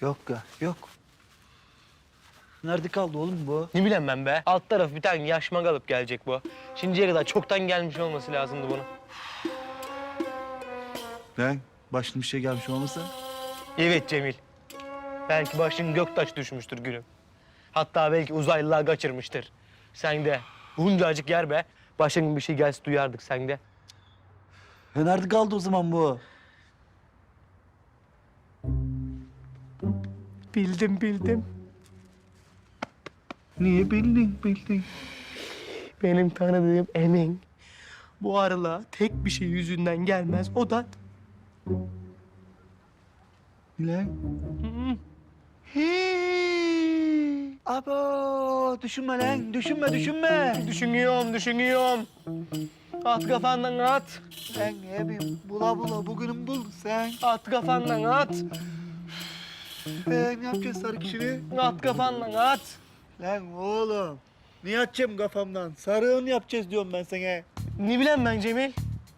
Yok ya, yok. Nerede kaldı oğlum bu? Ne bileyim ben be. Alt taraf bir tane yaşma kalıp gelecek bu. Şimdiye kadar çoktan gelmiş olması lazımdı bunun. Lan başına bir şey gelmiş olmasa? Evet Cemil. Belki başın göktaş düşmüştür gülüm. Hatta belki uzaylılar kaçırmıştır. Sen de buncacık yer be. Başın bir şey gelse duyardık sen de. Ya nerede kaldı o zaman bu? Bildim. Niye bildin? Benim tanıdığım Emin. Bu arıla tek bir şey yüzünden gelmez. O da Lan. Hii. Abo düşünme lan, düşünme. düşünüyorum. At kafandan at. Lan ne bileyim, bula bugünün bul sen. At kafandan at. Ne yapacağız sarı kişini? At kafandan at. Lan oğlum, niye atacağım kafamdan? Sarığını yapacağız diyorum ben sana. Ne bileyim ben Cemil?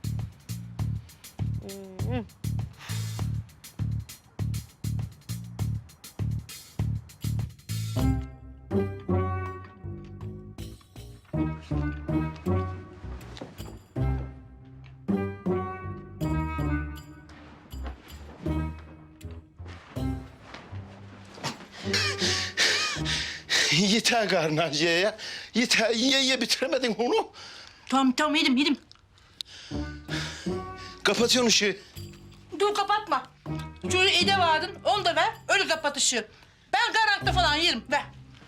Yeter Garnaciye ya. Yeter, ye bitiremedin onu. Tamam yedim. Kapatıyorsun ışığı. Dur kapatma. Şöyle ede vardın, onu da ver, öyle kapat ışığı. Ben karanlıkta falan yerim, ver.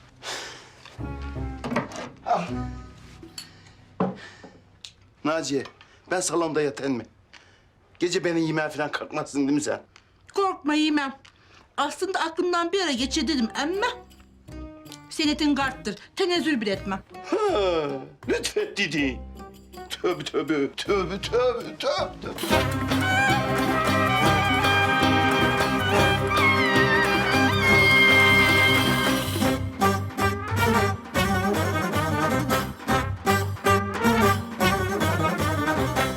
Naciye, ben salonda yatayım mı? Gece beni yemeğe falan kalkmazsın değil mi sen? Korkma yemem. Aslında aklımdan bir ara geçir dedim ama... ...senetin karttır, tenezzül bile etmem. Ha, lütfet dedi. Tövbe.